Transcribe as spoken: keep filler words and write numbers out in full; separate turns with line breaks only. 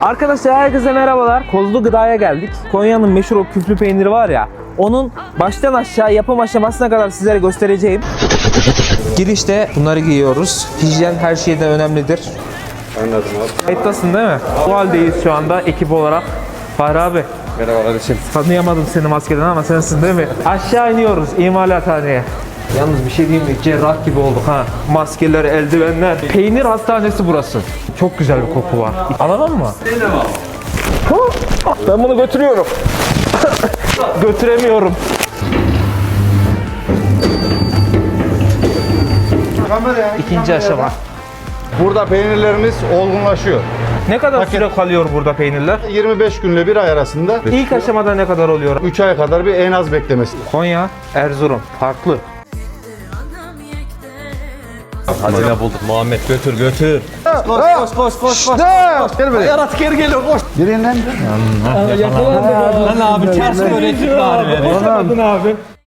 Arkadaşlar herkese merhabalar. Kozlu Gıda'ya geldik. Konya'nın meşhur o küflü peyniri var ya. Onun baştan aşağı yapım aşamasına kadar sizlere göstereceğim. Girişte bunları giyiyoruz. Hijyen her şeyden önemlidir.
Anladım abi.
Kayıttasın değil mi? Bu haldeyiz şu anda ekip olarak. Fahri abi.
Merhaba kardeşim.
Tanıyamadım seni maskeden ama sensin değil mi? Aşağı iniyoruz imalathaneye. Yalnız bir şey diyeyim mi? Cerrah gibi olduk ha. Maskeler, eldivenler. Peynir hastanesi burası. Çok güzel bir koku var. Alalım mı? Ben bunu götürüyorum. Götüremiyorum. İkinci aşama.
Burada peynirlerimiz olgunlaşıyor.
Ne kadar
Paket.
süre kalıyor burada peynirler?
yirmi beş günle bir ay arasında.
İlk aşamada ne kadar oluyor?
üç aya kadar bir en az beklemesi.
Konya, Erzurum. Farklı.
Hazine bulduk Muhammed, götür götür.
Koş koş koş koş. Gel böyle.
Yarat geri geliyor koş.
Birinden.
Lan abi ters öğrettik bari.
Abi.